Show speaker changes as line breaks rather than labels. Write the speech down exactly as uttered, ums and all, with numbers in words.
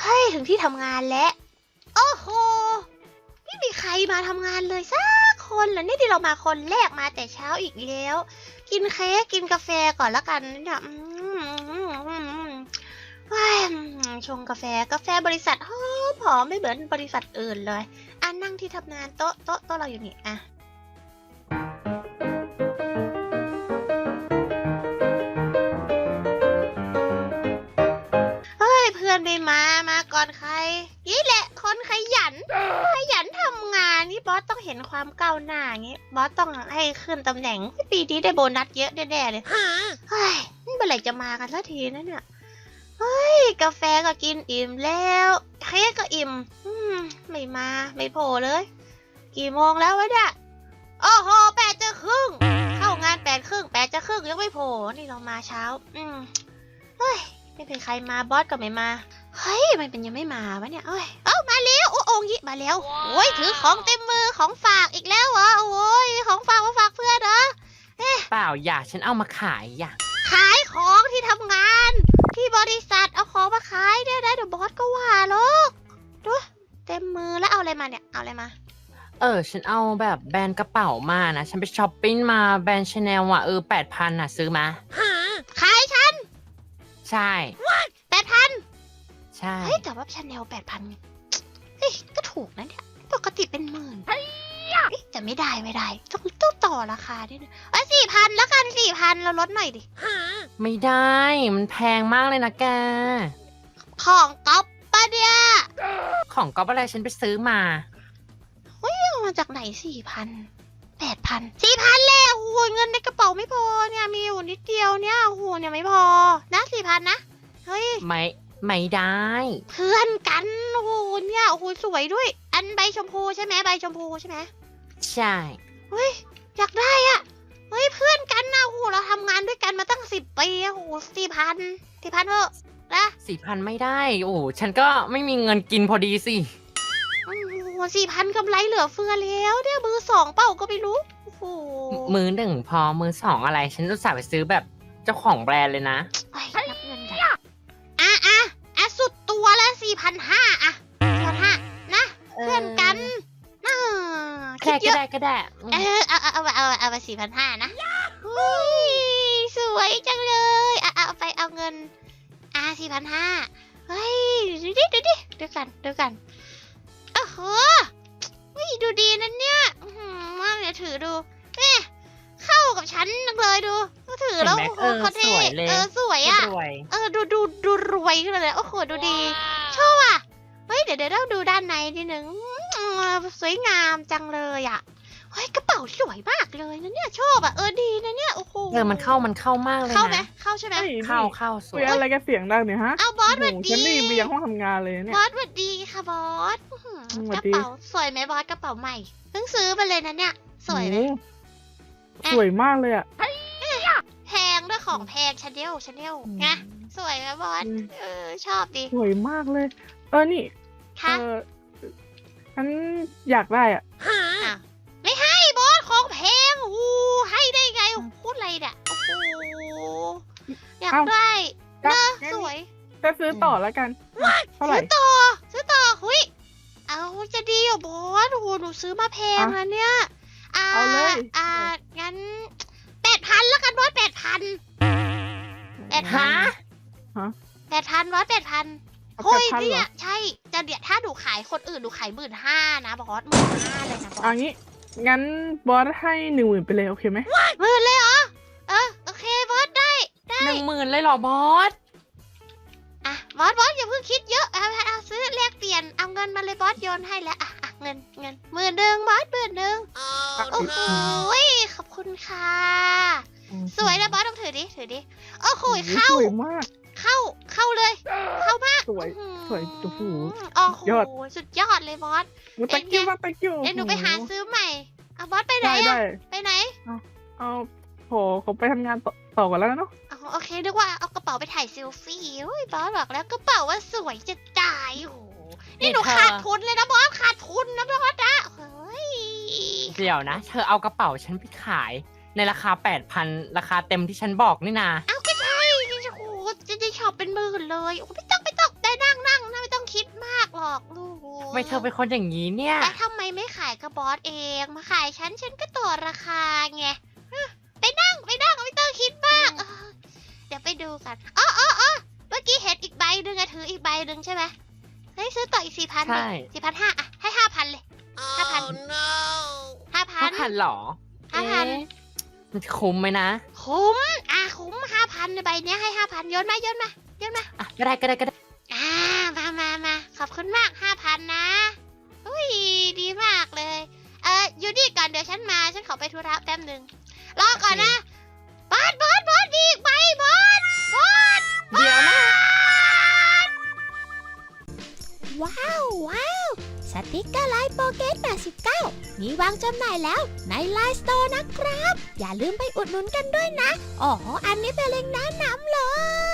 เฮ้ยถึงที่ทำงานแล้วโอ้โหไม่มีใครมาทำงานเลยสักคนเหรอนี่ที่เรามาคนแรกมาแต่เช้าอีกแล้วกินเค้กกินกาแฟก่อนละกันเนี่ยอืมว้ายชงกาแฟกาแฟบริษัทหอมหอมไม่เหมือนบริษัทอื่นเลยอ่ะนั่งที่ทำงานโต๊ะโต๊ะโต๊ะเราอยู่นี่อ่ะเพื่อนไม่มา มาก่อนใครนี่แหละคนขยันขยันทำงานนี่บอสต้องเห็นความก้าวหน้าอย่างงี้บอสต้องให้ขึ้นตำแหน่งปีนี้ได้โบนัสเยอะแน่ๆเลยเฮ้ยเมื่อไหร่จะมากันสักทีนะเนี่ยเฮ้ยกาแฟก็กินอิ่มแล้วเค้กก็อิ่มอืมไม่มาไม่โผล่เลยกี่โมงแล้ววะเนี่ยโอ้โหแปดจะครึ่งเข้างานแปดครึ่งแปดจะครึ่งยังไม่โผล่นี่เรามาเช้าอืมเฮ้ยไม่เป็นใครมาบอสก็ไม่มาเฮ้ยมันเป็นยังไม่มาวะเนี่ยเอ้ยเอ้ามาแล้วโอ้โองยิมาแล้วโอ้ยถือของเต็มมือของฝากอีกแล้วเหรอโอ้ยของฝากมาฝากเพื่อนเหรอเอ๊ะ
เปล่าอย่าฉันเอามาขายอย่า
ขายของที่ทำงานที่บริษัทเอาของมาขายได้ได้เดี๋ยวบอสก็ว่าหรอกดูเต็มมือแล้วเอาอะไรมาเนี่ยเอาอะไรมา
เออฉันเอาแบบแบรนด์กระเป๋ามานะฉันไปช้อปปิ้งมาแบรนด์ชาแนลอ่ะเออแปดพันอ่ะซื้อมา
ขายฉัน
ใช่
แปดพัน
ใช่
เฮ้ยแต่ว่าชาแนลแปดพันเฮ้ยก็ถูกนะเนี่ยปกติเป็นหมื่นเฮ้ยจะไม่ได้ไม่ได้ต้องต้องต่อราคาด้วยนะเอ้ยสี่พันแล้วกันสี่พันเราลดหน่อยดิ
ไม่ได้มันแพงมากเลยนะแก
ของก๊อปปะเนี่ย
ของก๊อปอะไรฉันไปซื้อมา
เฮ้ยเอามาจากไหนสี่พันแปดพันสี่พันแล้วโอ้ยเงินในกระเป๋าไม่พอเนี่ยมีอยู่นิดเดียวเนี่ยโอ้โหเนี่ยไม่พอนะสี่พันนะเฮ้ย
ไม่ไม่ได้
เพื่อนกันโอ้โหเนี่ยโอ้โหสวยด้วยอันใบชมพูใช่ไหมใบชมพูใช่ไหม
ใช่
เฮ้ยอยากได้อ่ะเฮ้ยเพื่อนกันนะโอ้โหเราทำงานด้วยกันมาตั้งสิบปีโอ้โหสี่พันสี่พันเถอะนะ
สี่พันไม่ได้โอ้ฉันก็ไม่มีเงินกินพอดีสิ
โอ้โหสี่พันกำไรเหลือเฟือแล้วเนี่ยมือสองเปล่าก็ไม่รู้โอ้โห
มือหนึ่งพอมือสองอะไรฉันอุตส่าห์ไปซื้อแบบเจ้าของแบรนด์เลยนะ
นับเงินกันอ่ะอ่ะอ่ะสุดตัวละสี่พันห้าอ่ะสี่พันห้านะเพื่อนกันน่า
คิดเยอะก็ได้ก็ได้
เออเอาเอาเอาเอาไปสี่พันห้านะสวยจังเลยอ่ะเอาไปเอาเงินอ่ะสี่พันห้าเฮ้ยดูดิดูดิดูกันดูกันโอ้โหดูดีนั่นเนี่ยมากเลยถือดูเอ๊ะเข้ากับฉันนักเลยดูถือแล้วโอ้โหเขาเท่เออสวยอ่ะเออดูดูดูรวยขึ้นเลยโอ้โหดูดีชอบอ่ะเฮ้ยเดี๋ยวเดี๋ยวเราดูด้านในนิดนึงสวยงามจังเลยอ่ะเฮ้ยกระเป๋าสวยมากเลยนะเนี่ยชอบอ่ะเออดีนะเนี่ยโอ้โห
เออมันเข้ามันเข้ามากเลยนะ
เข้าไหมเข้าใช่ไหม
เข้าเข้าสวย
อะไรกันเสียงดังเนี่ยฮะ
เอาบอสสวัสดี
ฉันได้ยินไปยังห้องทำงานเลยเนี่ย
บอสสวัสดีค่ะบอสกระเป๋าสวยไหมบอสกระเป๋าใหม่เพิ่งซื้อมาเลยนะเนี่ยสวยไหม
สวยมากเลยอ่ะ
แพงด้วยของแพงชาแนลชาแนลไงสวยไหมบอสเออชอบดี
สวยมากเลยเออนี่เออฉันอยากได้อ่ะ
ไม่ให้บอสของแพงโอ้ให้ได้ไงพูดอะไรเนี่ยโอ้โหอยากได้เนอะสวย
จะซื้อต่อแล้วกันเท่าไหร่
ซื้อต่อซื้อต่อหุยเอาจะดีอ่ะบอสโอ้โหหนูซื้อมาแพงนะเนี่ย
เอาเลย
อ่างั้นแปดพันแล้วกันบอสแปดพันแปดพันแปดพันบอสแปดพันเฮ้ยเนี่ยใช่จะเดี๋ยวถ้าหนูขายคนอื่นหนูขายหมื่นห้านะบอสหมื่นห้าเลยนะบอส
อันนี้งั้นบอสให้หนึ่งหมื่นไปเลยโอเคไหม
หมื่นเลยเหรอเออโอเคบอสได้ได้
หนึ่งหมื่นเลยเหรอบอส
อ่ะบอสบอสอย่าเพิ่งคิดเยอะเอาเอาซื้อแลกเปลี่ยนเอาเงินมาเลยบอสโยนให้แล้วอ่ะอ่ะเงินเงินหมื่นหนึ่งบอสหมื่นหนึ่งโอ้โหขอบคุณค่ะสวยนะบอสต้องถือดิถือดิโอ้โหเข้า
สวยมาก
เข้าเข้าเลยเข้ามาก
สวยสวยโอ้โห
โอ้โหสุดยอดเลยบอส
ตะกิ้วตะกิ้ว
เดี๋ยวหนูไปหาซื้อใหม่เอาบอสไปไหนอะไปไหน
เอาโหเขาไปทำงานต่อกันแล้วเนาะ
โอเคนึกว่าเอากระเป๋าไปถ่ายเซลฟี่โอ้ยบอสบอกแล้วกระเป๋าว่าสวยจะตายโอ้นี่หนูขาดทุนเลยนะบอสขาดทุนนะบอสนะเฮ้ย
เดี๋ยวนะเธอเอากระเป๋าฉันไปขายในราคาแปดพันราคาเต็มที่ฉันบอกนี่นา
เอาก็ใช่โอ้โหจะได้ช็อปเป็นหมื่นเลยโอ้ไม่ต้องไม่ต้องได้นั่งนั่งนะไม่ต้องคิด
ำไมเธอเป็นคนอย่างนี้เนี่ย
แล้วทำไมไม่ขายกับบอสเองมาขายฉันฉันก็ต่อราคาไงฮะไปนั่งไปนั่งไม่ต้องคิดมากเออเดี๋ยวไปดูกันอ๋ออ๋ออ๋อเมื่อกี้เห็นอีกใบหนึ่งอะถืออีกใบหนึ่งใช่ไหมเฮ้ยซื้อต่ออีกสี่พัน
ใช่
สี่พันห้าอะให้ห้าพันเลยห้าพันห้าพั
ห้าน พันหรอ
ห้าพัน
เอ๊ะมันจะคุ้มไหมนะ
คุ้มอ่ะคุ้มห้าพันในใบเนี้ยให้ห้าพันโยนมาโยนมาโยนมา
อ่ะก็ได้ก็ได้ก็ได้
อ่ามามามาขอบคุณมากห้าพันนะอุ้ยดีมากเลย เอออยู่นี่ก่อนเดี๋ยวฉันมา ฉันขอไปธุระแป๊บหนึ่งรอก่อนนะบอสบอสบอสมีอีกใบบอสบอส
เดี๋ยวนะ
ว้าวว้าวสติกเกอร์ไลน์โปเกตแปดสิบเก้ามีวางจำหน่ายแล้วในไลน์สโตร์นะครับ อย่าลืมไปอุดหนุนกันด้วยนะอ๋ออันนี้เป็นเล็งก์แนะนำเลย